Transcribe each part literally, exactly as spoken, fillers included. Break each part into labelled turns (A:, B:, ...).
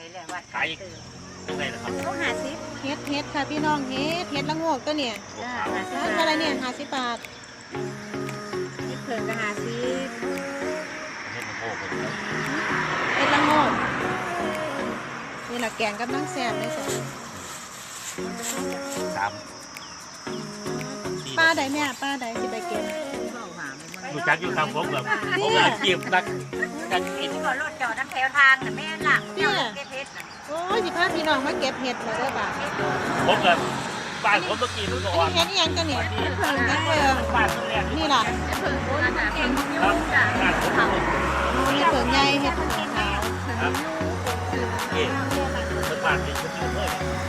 A: ขายยังไงนะครับ
B: ต้องหาซิ
C: เฮ็ดเฮ็ดค่ะพี่น้องเฮ็ดเฮ็ดละโงกตัวเนี่ย
B: จ้า
C: ร้านอะไรเนี่ยห้าสิบบาท
B: เฮ็ดเผิงก็หาซิ
A: เฮ็ดมะโขกเป็นครับ
C: เฮ็ดละโงกนี่แหละแกงกับน้ำแซ่บเลยจ้ะ
A: สามสี่
C: ป้าใดแม่ป้าใดสิไปเก็บ
A: รู้จักอยู่ทางผมแบบผมอาชีพนักนักกิน
B: ที่บ่รถจอดทั้งแถวทางน่ะแม่นล่ะเจ้าเก็บเฮ็ดน่ะ
C: โอ้ยสิพาพี่น้องมาเก็บเห็ดมาเด้อบ่า
A: ผมแบบบ้านผมต้องกินทุก
C: อัน
A: วัน
C: นี้เห็ดอีหยังกันเนี่ยเฮ็ดเพิ่งเฮ็ดเพิ่ง
A: บ้านแรก
C: นี่ล่ะ
B: เผิงโอ้ยมันเก่ง
A: ครับบ้านผม
C: เฮ็ดเพิ่งใหญ่เฮ็ดเพิ่งขาว
A: ครับนี่เป็นบ้านที่ชุดเลย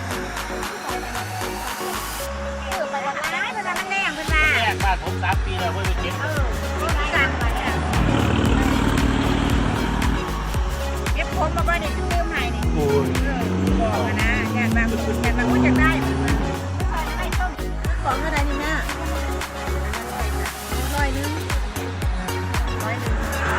B: เออไปบ่ได้เพิ่นว่ามันแรงเพิ่นว่า
A: แรกบ้านผมสามปีแล้วเพิ่งไปเก็บ
B: เออเฮ็ดกันไปเนี่ยเก็บผมมาบ่ได้ซื้อมาให้นี่
A: โอ้ย
B: เออบอกอะนะญาติบางคนญาติบางคนอยากได้เพิ่นว่าไม่ต้อง
C: ของเท่าไหร่นี่แม่ร้อยหนึง
B: ร้อยหนึ่ง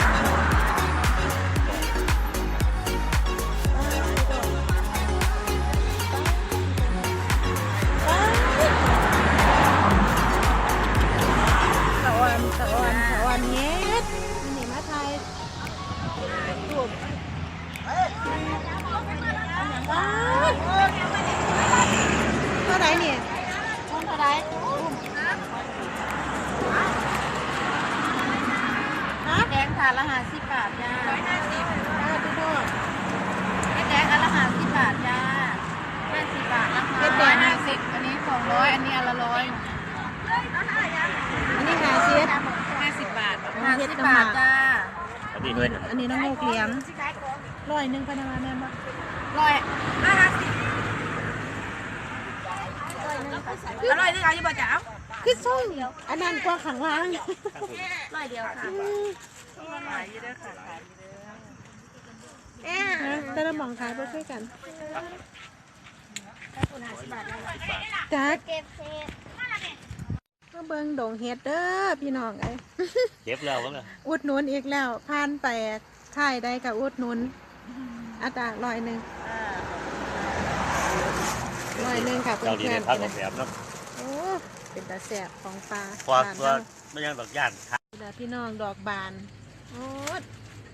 C: สะออนสะออนสะออนเฮ็ดนี่มาไทยรูปว้าวเท่าไหร่เนี่ยเท่าไหร่ฮะ
B: แดงถาดละห้าสิบบาทจ้าร้อยห้าสิบ
C: เออพี่โทษ
B: เฮ็ดแดงอันละห้าสิบบาทจ้าห้าสิบบาทนะคะ
C: เฮ็ดแดง
B: ห้าสิบอันนี้สองร้อยอันนี้อันละร้อย
C: อันนี้หาเสียด
B: ห้าสิบบาท
C: อ๋อ
B: ห้า
C: เฮ็
B: สิ
C: ด
B: บ
C: กะห
B: บา
C: มา
B: ทจ้า
A: อันนี้ด้วยนะ
C: อันนี้น้องโมกเหลียงร้อยหนึ่งพนักงานแม่บ้าน
B: ร้อยห้าสิบอร่อยด้วยค่ะยี่บาจ้า
C: คือส่งอันนั้นกว่าขังล่าง
B: ร้อยเดียวค่ะขายเยอะค่ะขายเยอะ
C: นะแต่ละหมองขายบ่ช่วยกัน
B: คุณห้าสิบบาทได้
C: จัก
B: เก็บเศษ
C: ก็เบิ่งดงเฮ็ดเด้อพี่น้องไอ้
A: เก็บแล้วมั้ง
C: อุดหนุนอีกแล้วผ่านไปค่ายใดกับอุดหนุนอัตราร้อยหนึ่งร้อยหนึ่งค่ะเพื่
A: เจ้าดี
C: อ
A: ใน
C: น
A: พักของแถมเนาะ
C: ๆโอ้เป็นตาแสบของปลา
A: ควา
C: บ้าน
A: ตัว
C: เรา
A: ไม่ยังดอกย่าน
C: นี่ล่ะพี่น้องดอกบานโอ้ย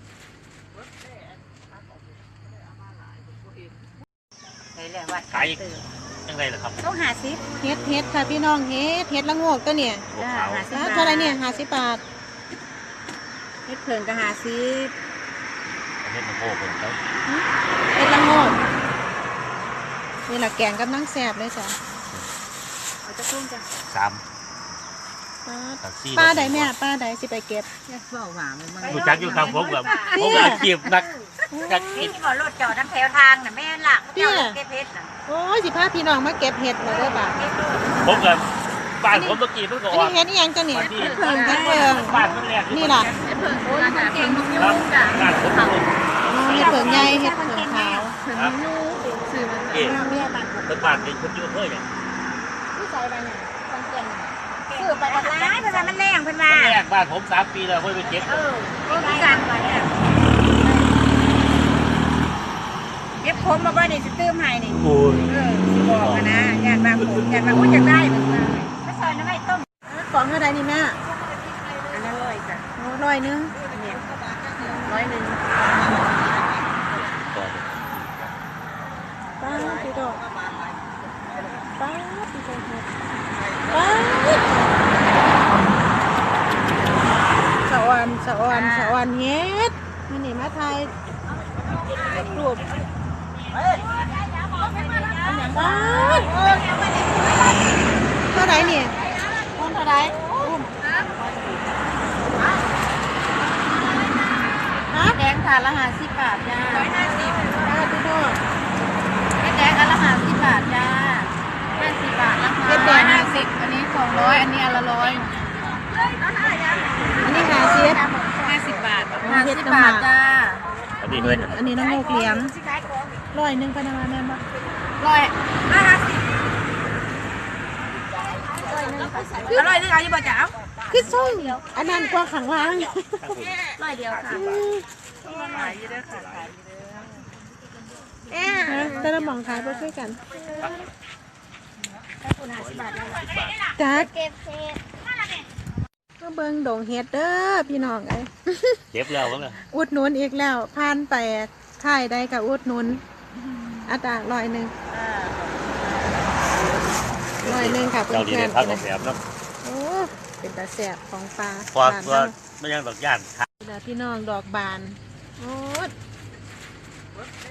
B: เลยเลยว่า
A: ขายยังไงล่ะครับ
B: ต้องหาซิป
C: เฮ็ดเฮ็ดค่ะพี่น้องเฮ็ดเฮ็ดละโงกตัวเนี่ย
A: หัวขาว
C: อ่าเท่าไหรเนี่ยห้าสิบบาท
B: เฮ็ดเผิงก็หาซิป
A: เฮ็ดมะโขกเป็นครับ
C: เฮ็ดละโงกนี่แหละแกงกับน้ำแซ่บเลยจ้ะ
B: เอาจะต้มจ้ะ
A: สาม
C: ป้า
A: ตักซี่
C: ป้าใดแม่ป้าใดสิไปเก็บ
B: แยกเบาหวานมัน
A: รู้จักอยู่ทางผมแบบผมอาชีพนักนักกิน
B: ที่บ่รถจอดทั้งแถวทางน่ะแม่นล่ะเจ้าเก็บเฮ็ดน่ะ
C: โอ้ยสิพาพี่น้องมาเก็บเห็ดมาเด้อบ่า
B: เก็บโลด
A: ผมแบบบ้านผมต้องกินทุก
C: อัน
A: วั
C: นี้
A: น
C: เห็ดอีหยังกันเนี่ย
A: วันที่
C: เพิ่งเฮ็ดเพิ่ง
A: บ้านแรก
C: นี่ล่ะ
B: เฮ็ดเผิงโอ้ยมันเก่งมาก
A: ครับ
B: จ้ะ
A: บ้านผม
C: อ๋อเห็ดเพิ่งใหญ่เห็ดเพิ่งขาว
A: ครับ
B: ซื้อมัน
A: เอ๊ะเป็นบ้านเป็นชุดยูเพื่อนเนี่ย
B: ผู้ใส่ไปเนี่ยคนเก่งซื้อไปบ่ได้เพิ่นว่ามันแรงเพิ่นว่า
A: แรกบ้านผมสามปีแล้วเพิ่งไปเก็บ
B: เออก็มีการไปเนี่ยเก็บผมมาบ่ได้สิตื้มให้นี่
A: โอ้ย
B: เออสิบอกอะนะญาติบางคนญาติบางคนอยากได้เพิ่นว่าไม่ซอยน้ำไม่ต้ม
C: ของเท่าใดนี่แม่
B: อันนั้นร้อยจ้ะ
C: โอ้ร้อยหนึง
B: เนี่ยร้อยหนึ่ง
C: ป้าพี่ดอกป้าพี่ดอกเห็ดป้าสะออนสะออนสะออนเฮ็ดนี่นี่มาไทยรูปป้าเท่าไหร่เนี่ยต้นเท่าไหร่ฮะ
B: แดงถาดละห้าสิบบาทจ้าร้อยห้าสิบ
C: ป้าพี่ดอก
B: เฮ็ดแดงอันละห้าสิบบาทจ้าห้าสิบบาทนะคะ
C: เฮ็ดแดง
B: ห้าสิบอันนี้สองร้อยอันนี้อันละร้อย
C: อันนี้หาเสียด
B: ห้าสิบบาท
C: อ๋อ
B: ห้า
C: เฮ็
B: สิ
C: ด
B: บ
C: กะห
B: บา
C: มา
B: ทจ้า
A: อันนี้ด้วยนะ
C: อันนี้น้องโมกเหลียงร้อยหนึ่งพนักงานแม่บ้าน
B: ร้อยห้าสิบอร่อยด้วยค่ะยี่บาจ้า
C: คือส่งอันนั้นกว่าขังล่าง
B: ร้อยเดียวค่ะ
C: อืม
B: ขายเยอะค่ะขายเยอะ
C: เอ๊แต่ละหมองขายบ่คือกัน
B: ถ้าคุณหาสิบบาทแล้ว
C: จัก
B: เก็บเศษ
C: ก็เบิ่งดงเฮ็ดเด้อพี่น้องเอ้ย
A: เก็บแล้วมั้งล่ะ
C: อุดหนุนอีกแล้วผ่านไปค่ายใดก็อุดหนุนอัตราร้อยหนึงร้อยหนึงค่ะเพื่
A: เจ้าดี
C: อ
A: ใน
C: น
A: พักของแถมเนาะ
C: ๆโอ้เป็นตาแสบของปลา
A: พอ
C: บ้าน
A: ตัว
C: เรา
A: ไม่ยังดอกย่าน
C: เด้อพี่น้องดอกบานโอ้ย